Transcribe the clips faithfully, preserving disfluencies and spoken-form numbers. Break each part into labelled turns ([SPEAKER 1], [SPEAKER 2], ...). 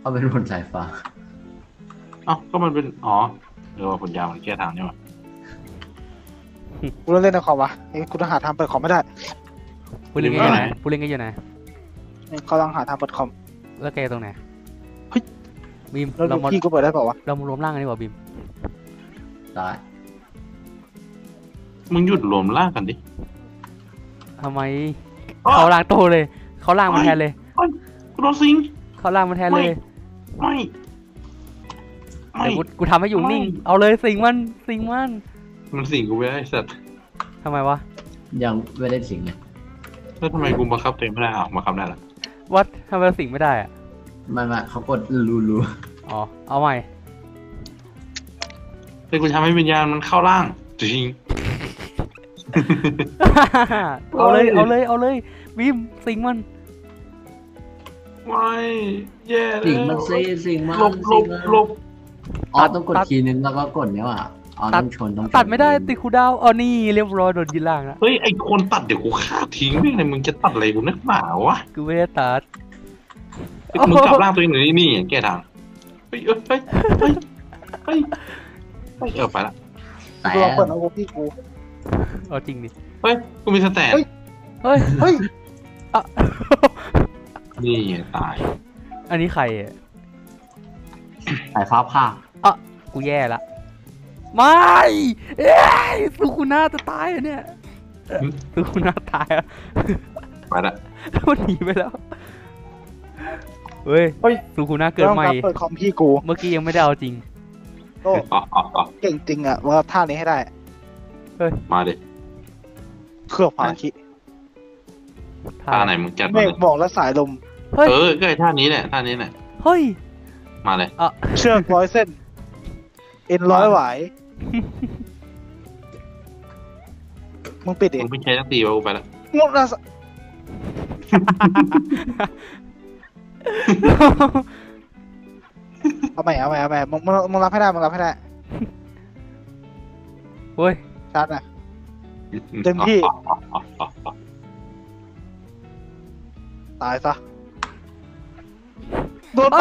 [SPEAKER 1] เอาเป็นผลสายฟ้า
[SPEAKER 2] เอ้าก็มันเป็นอ๋อเออว่าผลยาวมันแก้ทางนี่หว่า
[SPEAKER 3] กูเล่นเล่นในคอมวะไอ้กูต้องหาทางเปิดคอมไม่ได้
[SPEAKER 4] ผู้เล่นกันอยู่ไหนผู้เล่นกันอยู่ไหน
[SPEAKER 3] เขาต้องหาทางเปิดคอม
[SPEAKER 4] แล้วแกตรงไหน
[SPEAKER 3] เฮ้ย
[SPEAKER 4] บีม
[SPEAKER 3] แล้ว
[SPEAKER 4] เรามา
[SPEAKER 3] พี่กูเปิดได้เปล่าวะ
[SPEAKER 4] เรามารวมร่างกันดีกว่าบีม
[SPEAKER 1] ได้
[SPEAKER 2] มึงหยุดรวมร่างกันดิ
[SPEAKER 4] ทำไมเขาล่างโตเลยเขาล่างมาแทนเลย
[SPEAKER 2] กูโดนซิง
[SPEAKER 4] เขาล่างมาแทนเลย
[SPEAKER 2] ไม่
[SPEAKER 4] เดี๋ยวกูกูทำให้อยู่นิ่งเอาเลยสิงมันสิงมัน
[SPEAKER 2] มันสิงกูไม่ได้สัตว์
[SPEAKER 4] ทำไมวะ
[SPEAKER 1] ยังไม่ได้สิงเลย
[SPEAKER 2] แล้วทำไมกูบังคับตัวเองไม่ได้อ้าวบังคับได้ละ
[SPEAKER 4] วัดทำไมสิงไม่ได้อะ
[SPEAKER 1] ไม่ไม่เขากดรูรู
[SPEAKER 4] อ๋อเอาใหม่
[SPEAKER 2] แต่กูทำให้วิญญาณมันเข้าร่างจริง
[SPEAKER 4] เอาเลยเอาเลยเอาเลยบีมสิงมัน
[SPEAKER 2] ไม่แย่เลย
[SPEAKER 1] สิงมันซีสิงมัน
[SPEAKER 2] ลบลบลบ
[SPEAKER 1] อ๋อต้องกดทีนึงแล้วก็กดเนี้ยว่ะอ๋อต้องชนต้อง
[SPEAKER 4] ตัดไม่ได้ติดคูดาวอ๋อนี่เรียบร้อยโดนยิงล่างแล้ว
[SPEAKER 2] เฮ้ยไอคนตัดเดี๋ยวกูฆ่าทิ้งไม่เลยมึงจะตัดอะไรกูนักหนาวะ
[SPEAKER 4] กูไม่ได้ตัด
[SPEAKER 2] มึงกลับร่างตัวเองหน่อยนี่แก้ทางเฮ้ยเฮ้ยเฮ้ยเฮ้ยเฮ้ยเออไปละ
[SPEAKER 1] แต่
[SPEAKER 3] กูลองเปิดเอาพี่กู
[SPEAKER 4] เอาจริงดิ
[SPEAKER 2] เฮ้ยกูมีสแตน
[SPEAKER 4] เฮ้ยเฮ้ยอ่ะ
[SPEAKER 2] นี่ตาย
[SPEAKER 4] อันนี้ใครอ่ะ
[SPEAKER 1] สายฟ้าผ่า
[SPEAKER 4] อ่ะกูแย่ละไม่เอ้ยสุขุนาจะตายอ่ะเนี่ยสุขุนาตายอ่ะ
[SPEAKER 2] ไปละ
[SPEAKER 4] มันหนีไปแล้วเฮ้ยเฮ้ยสุขุนาเกิดใหม่
[SPEAKER 3] เปิดคอมพี่กู
[SPEAKER 4] เมื่อกี้ยังไม่ได้เอาจริง
[SPEAKER 3] โอ้เก่งจริงอ่ะว่าท่านี้ให้ได้
[SPEAKER 4] เฮ้ย
[SPEAKER 2] มาดิ
[SPEAKER 3] เครื่องพาคิ
[SPEAKER 2] ท่าไหนมึงจัด
[SPEAKER 3] เมฆบอกและสายลม
[SPEAKER 2] เออก็ไอท่านี้แหละท่านี้แหละ
[SPEAKER 4] เฮ้ย
[SPEAKER 2] มาเลย
[SPEAKER 4] อ่ะ
[SPEAKER 3] เชือกร้อยเส้นเอ็นร้อยหวายมึงปิดดิ
[SPEAKER 2] มึงไม่ใช้ตั้งตีวะกูไปละ
[SPEAKER 3] งดนะเอาใหม่เอาใหม่เอาใหม่มึงมึงรับให้ได้มึงรับให้ได้
[SPEAKER 4] เฮ้ย
[SPEAKER 3] ชัดนะเต็มที่ตายซะโดนไป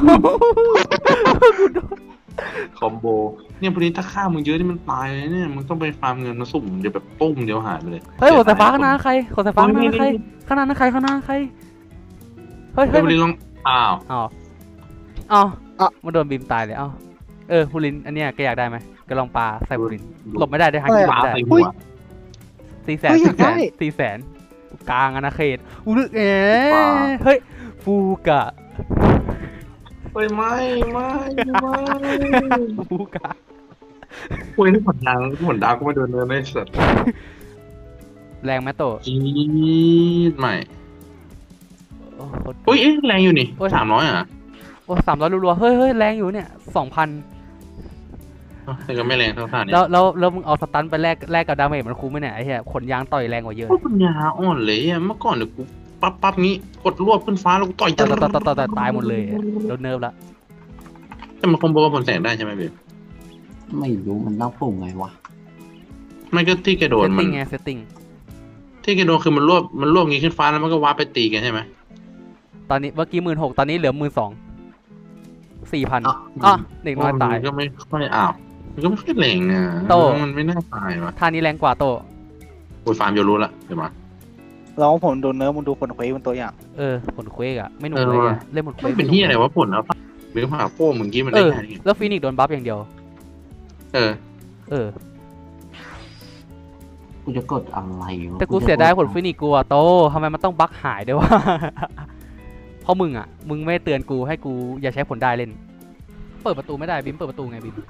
[SPEAKER 2] คอมโบเนี่ยพอดีถ้าฆ่ามึงเยอะนี่มันตายเลยเนี่ยมึงต้องไปฟาร์มเงินมาสุ่มเดี๋ยวแบบปุ้มเดี๋ยวหายไปเลย
[SPEAKER 4] เฮ้ยขอสายฟ้าข้างหน้าใครขอสายฟ้าข้างหน้าใครข้างหน้าใครข้างหน้าใครเฮ้ยเฮ้ย
[SPEAKER 2] พอดีลองอ้าว
[SPEAKER 4] อ้าวอ้าวอ้าวมันโดนบีมตายเลยอ้าวเออพูลินอันเนี้ยแกอยากได้ไหมก็ลองปลาใส่พูลินหลบไม่ได้ได้ฮังกี้หลบไม่ได้สี่แสนสี่แสนสี่แสนกลางอาณาเขตอุ้ยเอ๋เฮ้ยฟูกะ
[SPEAKER 2] เฮ้ยไม่ไม่ไม่
[SPEAKER 4] ฟูกะ
[SPEAKER 2] โอ้ยนี่ผลดาวผลดาวก็มาโดนเนื้อในสัตว์
[SPEAKER 4] แรงไหมโต
[SPEAKER 2] จีดใหม่โอ้ยแรงอยู่นี่สามร้อยอ่ะ
[SPEAKER 4] โอ้สามร้อยรัวๆเฮ้ยเฮ้ยแรงอยู่เนี่ยสองพัน
[SPEAKER 2] แต่ก็ไม่แรงเท่าท่านี้
[SPEAKER 4] แล้วแล้วแล้วมึงเอาสตันไปแลกแลกกับดาเมจมันคุ้มไหมเนี่ยไอ้เหี้ยขนยางต่อยแรงกว่าเยอะ
[SPEAKER 2] ปัญญาอ่อนเลยอ่ะเมื่อก่อนเดี๋ยวกูปั๊บปั๊บงี้กดรวบขึ้นฟ้าแล้วกูต่อย
[SPEAKER 4] ต่อยต่อยต่อยตายหมดเลยโดนเนิร์ฟละ
[SPEAKER 2] แต่มันคอมโบกับผลแสงได้ใช่ไหมเบล
[SPEAKER 1] ไม่รู้มันต้องปุ่มไงวะ
[SPEAKER 2] ไม่ก็ที่แกโดนมัน
[SPEAKER 4] ไงเซตติ้ง
[SPEAKER 2] ที่แกโดนคือมันรวบมันรวบงี้ขึ้นฟ้าแล้วมันก็วาร์ปไปตีกันใช่ไหม
[SPEAKER 4] ตอนนี้เมื่อกี้หมื่นหกตอนนี้เหลือหมื่นสองสี่พันอ่ะเด็กน้อยตาย
[SPEAKER 2] ก็ไม่ค่อยอ้าวมันก็ไม่ค่อยแรงอ่ะโตมันไม่น่าตายวะ
[SPEAKER 4] ท่านี้แรงกว่าโต
[SPEAKER 2] โอ้ยฟาร์มโยรู้ละเดี๋ยวมา
[SPEAKER 3] เราผลโดนเนื้อมึงดูผลเควสเป็นตัวอย่าง
[SPEAKER 4] เออผลเควสอะไม่หนุกเลยอะเล่นผลเควส
[SPEAKER 2] เป็นที่อะไรวะผลแล้วหรือผ่าโป้มึงกี้มันได้แค่นี้
[SPEAKER 4] แล้วฟีนิกซ์โดนบัฟอย่างเดียว
[SPEAKER 2] เออ
[SPEAKER 4] เออ
[SPEAKER 1] กูจะกดอะไร
[SPEAKER 4] แต่กูเสียดายผลฟีนิกซ์กูอะโตทำไมมันต้องบั๊กหายด้วยวะเพราะมึงอะมึงไม่เตือนกูให้กูอย่าใช้ผลได้เล่นเปิดประตูไม่ได้บิมเปิดประตูไงบิม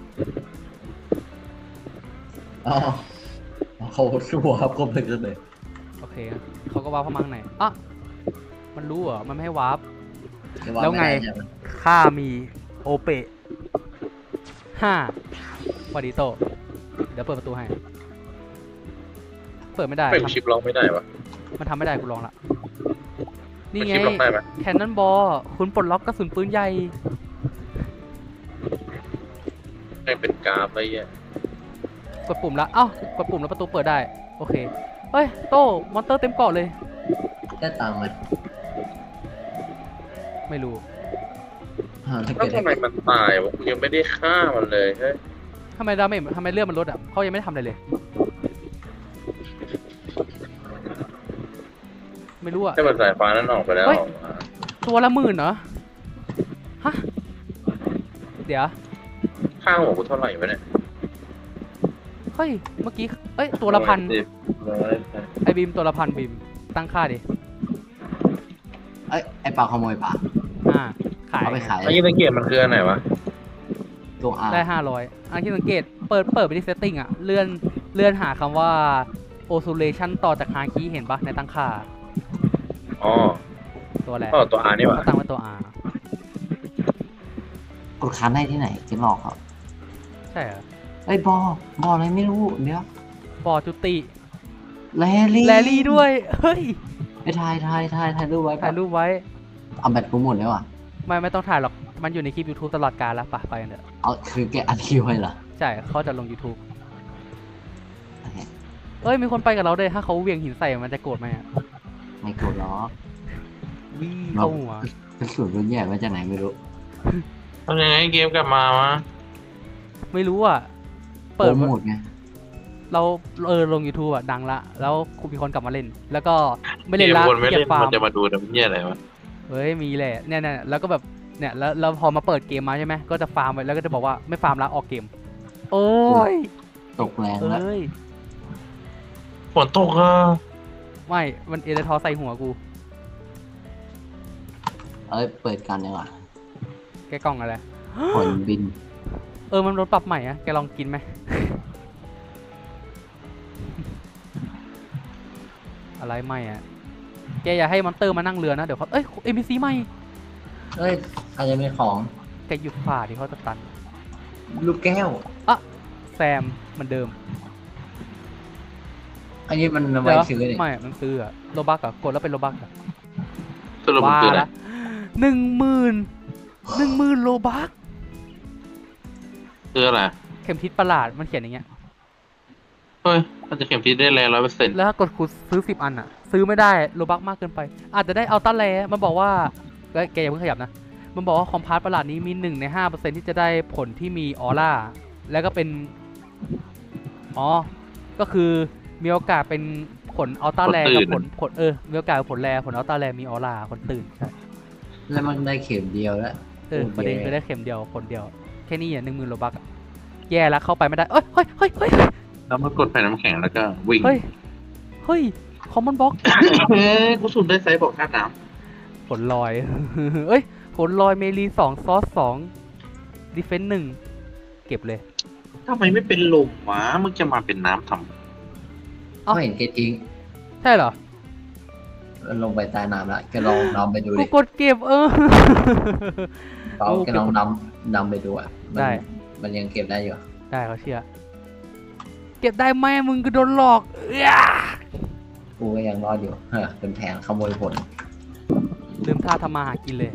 [SPEAKER 1] อ๋อเขาชัวร์ครับเขาเป็นเลย
[SPEAKER 4] โอเคเขาก็วาร์ปเข้ามาข้างในอ่ะมันรู้เหรอมันไม่ให้วาร์ปแล้วไงข้ามีโอเปะห้าวาดิโตเดี๋ยวเปิดประตูให้เปิดไม่ได้
[SPEAKER 2] เปิดชิปล็อกไม่ได้ปะ
[SPEAKER 4] มันทำไม่ได้กูลองละนี่ไงแคนนอนบอลคุณปลดล็อกกระสุนปืนใหญ่
[SPEAKER 2] ให้เป็นกราฟอะไรเงี้ย
[SPEAKER 4] กดปุ่มแล้วเอ้ากดปุ่มแล้วประตูเปิดได้โอเคเฮ้ยโตมอนเตอร์เต็มเกาะเลย
[SPEAKER 1] ได้ตังค์เลย
[SPEAKER 4] ไม่รู้
[SPEAKER 1] อ่าถ้า
[SPEAKER 2] แล้
[SPEAKER 1] เกิ
[SPEAKER 2] ว
[SPEAKER 1] ด
[SPEAKER 2] ทำไมมันตายวะกูยังไม่ได้ฆ่ามันเลยเฮ้ย
[SPEAKER 4] ทำไมดาเมจทำไมเลือดมันลดอ่ะเขายังไม่ทำอะไรเลย ไม่รู้อ่ะ
[SPEAKER 2] ให้มันสายฟ้านั้นออกไปแล้ว
[SPEAKER 4] เฮ้ย
[SPEAKER 2] ออกมา
[SPEAKER 4] ตัวละหมื่นเหรอ ฮะ เดี๋ยว
[SPEAKER 2] ข้างหัวกูเท่าไหร่วะเนี่ย
[SPEAKER 4] เฮ้ย เมื่อกี้ เอ้ย ตัวละพัน
[SPEAKER 2] สิบร้อยแปด
[SPEAKER 4] ไอ้บีมตัวละพันบีม ตั้งค่าดิ
[SPEAKER 1] เอ้ยไอปลาขโมยปลา
[SPEAKER 4] อ่า ขาย
[SPEAKER 1] เอาไปขาย
[SPEAKER 2] ไอ้ยี่สังเกตมันคืออันไหนวะ
[SPEAKER 1] ตัวอา
[SPEAKER 4] ได้ห้าร้อยอันที่สังเกต เปิด เปิดไปที่ setting อ่ะ เลื่อน เลื่อนหาคำว่า oscillation ต่อจากฮาคีเห็นปะในตั้งค่า
[SPEAKER 2] อ๋อ
[SPEAKER 4] ตัวอะไร
[SPEAKER 2] ก็ตัวอานี่หว่า
[SPEAKER 4] เขาตั้งไว้ตัว R
[SPEAKER 1] กดค้างได้ที่ไหนจะหลอกเขา
[SPEAKER 4] ใช่เหรอ
[SPEAKER 1] ไอ้ยบอบออะไรไม่รู้เดี๋ยว
[SPEAKER 4] บอจุติ
[SPEAKER 1] แลลี่
[SPEAKER 4] แลลี่ด้วย เฮ้ย
[SPEAKER 1] ไปถ่ายถ่ายถ่ายถ่ายรูปไว้
[SPEAKER 4] ถ่ายรูปไว้
[SPEAKER 1] เอาแบตกูหมดแล้วอ่ะ
[SPEAKER 4] ไม่ไม่ต้องถ่ายหรอก มันอยู่ในคลิป YouTube ตลอดกาลแล้วปะไปกันเถอะ
[SPEAKER 1] เอาคือแกอัดคิวไว้เหรอ
[SPEAKER 4] ใช่เขาจะลง YouTube
[SPEAKER 1] โอเค
[SPEAKER 4] เอ้ย มีคนไปกับเราด้วย ถ้าเขาเหวี่ยงหินใส่มันจะโกรธไหมอะ
[SPEAKER 1] ไม่กดหรอก
[SPEAKER 4] วิ่งเข้าหัว
[SPEAKER 1] กระสุนรุ่นใหญ่มาจากไหนไม่รู้
[SPEAKER 2] ทำยังไงเกมกลับมาวะ
[SPEAKER 4] ไม่รู้อ่ะ เปิด
[SPEAKER 1] โปรโมทไง
[SPEAKER 4] เราเออลง YouTube อ่ะ ดังละ แล้วมีคนกลับมาเล่น แล้วก็ไม่
[SPEAKER 2] เก
[SPEAKER 4] เล่น
[SPEAKER 2] ม
[SPEAKER 4] ละ
[SPEAKER 2] คนไม่
[SPEAKER 4] เก็
[SPEAKER 2] เล่
[SPEAKER 4] บ
[SPEAKER 2] น
[SPEAKER 4] ฟาร์
[SPEAKER 2] มั
[SPEAKER 4] ม
[SPEAKER 2] นจะมาดูแต่เหี้ยอะไรวะ
[SPEAKER 4] เฮ้ย มีแหละ เนี่ยเนี่ยแล้วก็แบบ เนี่ย แล้วแล้วพอมาเปิดเกมมาใช่ไหม ก็จะฟาร์มไว้แล้วก็จะบอกว่าไม่ฟาร์มละออกเกม โอ้ย
[SPEAKER 1] ตกแรงแล้ว
[SPEAKER 4] เอ้ย
[SPEAKER 2] ฝนตกอ่ะ
[SPEAKER 4] ไม่ มันเอเดทอใส่หัวกู
[SPEAKER 1] เอ้ยเปิดกันดีกว่า
[SPEAKER 4] แกกล้องอะไร
[SPEAKER 1] ผลบิน
[SPEAKER 4] เออ มันรถปรับใหม่อะแกลองกินไหม อะไรใหม่อะแกอย่าให้มอนเตอร์มานั่งเรือนะ เดี๋ยวเขาเอ้ย เอ็ม พี ซี ใหม่
[SPEAKER 1] เอ้ยอาจจะเป็นของ
[SPEAKER 4] แกหยุดฝ่าที่เขาจะตัน
[SPEAKER 1] ลูกแก้ว
[SPEAKER 4] แซมเหมือนเดิม
[SPEAKER 1] อันนี้มันเอาไว้
[SPEAKER 4] เดี๋ยว
[SPEAKER 1] ซื้อเนี่ย
[SPEAKER 4] ไม่ มันซื้ออะโลบักอะกดแล้วเป็นโลบักอะ
[SPEAKER 2] สรุปมันคืออะไร
[SPEAKER 4] ละหนึ่งหมื่นหนึ่งหมื่นโลบัก
[SPEAKER 2] คืออะไร
[SPEAKER 4] เข็มทิศประหลาดมันเขียนอย่างเงี้ย
[SPEAKER 2] เฮ้ยมันจะเข็มทิศได้แรงร้อยเปอร์เซ็นต์
[SPEAKER 4] แล้วถ้ากดคูณซื้อสิบอันอะซื้อไม่ได้โลบักมากเกินไป อาจจะได้เอาต้าแลมันบอกว่าเอ้ยแกอย่าเพิ่งขยับนะ มันบอกว่าคอมพาร์ตประหลาดนี้มีหนึ่งในห้าเปอร์เซ็นที่จะได้ผลที่มีออร่า แล้วก็เป็น อ๋อ ก็คือมีโอกาสเป็นผลอัลต้าแลกับผลผลเออ มีโอกาสผลแลผลอัลต้าแลมีออร่าคนตื่นใช่
[SPEAKER 1] แล้วมันได้เข็มเดียวแล้ว
[SPEAKER 4] เออ
[SPEAKER 1] โอเค
[SPEAKER 4] ประเด็นคือได้เข็มเดียวผลเดียว แค่นี้อ่ะหนึ่งหมื่นโลบักอะแย่แล้วเข้าไปไม่ได้ เอ้ยเฮ้ยเฮ้ยเฮ้ย
[SPEAKER 2] แล้วมันกดแผ่นน้ำแข็งแล้วก็วิ่ง
[SPEAKER 4] เฮ้ย เฮ้ย คอมมอนบ็อก
[SPEAKER 2] เฮ้ยกูสูดได้ไซส์บอกค่าน้
[SPEAKER 4] ผลลอย เอ้ย ผลลอยเมลีสองซอสสองดิเฟนต์หนึ่งเก็บเลย
[SPEAKER 2] ำทำไมไม่เป็นลมวะมึงจะมาเป็นน้ำทำ
[SPEAKER 4] เอ้า
[SPEAKER 1] ไม่เห็นแกทิ้ง
[SPEAKER 4] ใช่เหรอ
[SPEAKER 1] มันลงไปใต้น้ำแล้วแกลองดำไปดู
[SPEAKER 4] กู
[SPEAKER 1] ดิ
[SPEAKER 4] กดเก็บเออ
[SPEAKER 1] เปาแกลองดำดำไปดูอ่ะมัน
[SPEAKER 4] ได้
[SPEAKER 1] มันยังเก็บได้อยู่
[SPEAKER 4] ได้เขาเชื่อ เก็บได้ไหมมึงก็โดนหลอกเอ้ย
[SPEAKER 1] กูก็ยังรอดอยู่เฮ้อเป็นแผนขโมยผล
[SPEAKER 4] ลืมท่าทำมาหากินเลย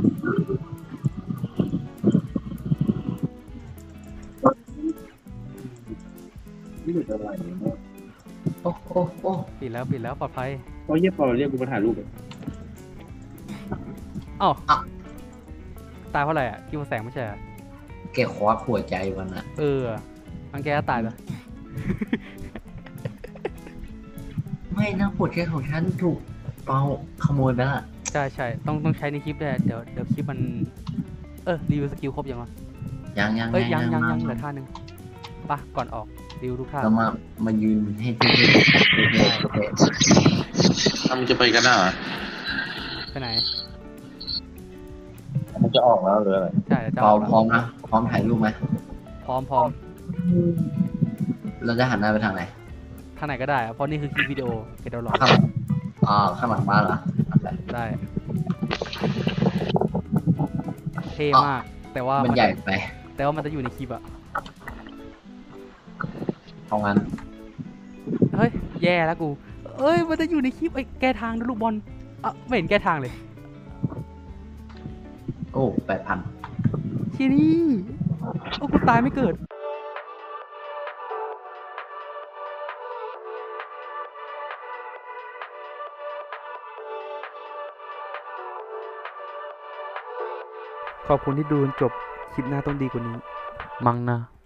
[SPEAKER 2] นี่เป็นอะไร
[SPEAKER 1] โอ้โอ้โอ้
[SPEAKER 4] ปิดแล้วปิดแล้วปลอดภัย
[SPEAKER 2] เพราะเยี่ยพอเราเรียกกูมาถ่ายรูปเลย
[SPEAKER 4] เอ้าตายเพราะอะไรอ่ะกิวแสงไม่ใช่เหรอ
[SPEAKER 1] แกคว้าหัวใจมันอ่ะ
[SPEAKER 4] เออมันแกก็ตายเลย
[SPEAKER 1] ไม่นะหัวใจของฉันถูกเปาขโมยไปละ
[SPEAKER 4] ใช่ใช่ต้องต้องใช้ในคลิปด้วยเดี๋ยวเดี๋ยวคลิปมัน เออรีวิวสกิลครบยังวะ
[SPEAKER 1] ยังยัง
[SPEAKER 4] เอ้ยยังยัง
[SPEAKER 1] มา
[SPEAKER 4] ยังเหลือท่านึงป่ะก่อนออกรีวิวทุกท่า
[SPEAKER 1] เรามามายืนให้ที่ที่โอเค
[SPEAKER 2] ถ้ามึงจะไปกันอ่ะ
[SPEAKER 4] ไปไหน
[SPEAKER 2] มันจะออกแล้วหรืออะไร
[SPEAKER 4] ใช่จะ
[SPEAKER 1] เปา
[SPEAKER 4] ออกแล้ว
[SPEAKER 1] พร้อมนะพร้อมถ่ายรูปไหม
[SPEAKER 4] พร้อมพร้อม
[SPEAKER 1] เราจะหันหน้าไปทางไหน
[SPEAKER 4] ทางไหนก็ได้อะเพราะนี่คือคลิปวิดีโอเดี๋ยวรอ
[SPEAKER 1] ข้างหลังอ่าข้างหลังบ้านเหรอโอเค
[SPEAKER 4] ได้เท่มาก แต่ว่า
[SPEAKER 1] มั
[SPEAKER 4] มัน
[SPEAKER 1] ใหญ่ไป
[SPEAKER 4] แต่ว่ามันจะอยู่ในคลิปอะ
[SPEAKER 1] เพราะงั้น
[SPEAKER 4] เฮ้ยแย่แล้วกูเอ้ยมันจะอยู่ในคลิปไอ้แก้ทางนะลูกบอลอ่ะไม่เห็นแก้ทางเลย
[SPEAKER 1] โอ้แปดพัน
[SPEAKER 4] ทีนี่โอ้กูตายไม่เกิดขอบคุณที่ดูจนจบ คลิปหน้าต้องดีกว่านี้ มั้งนะ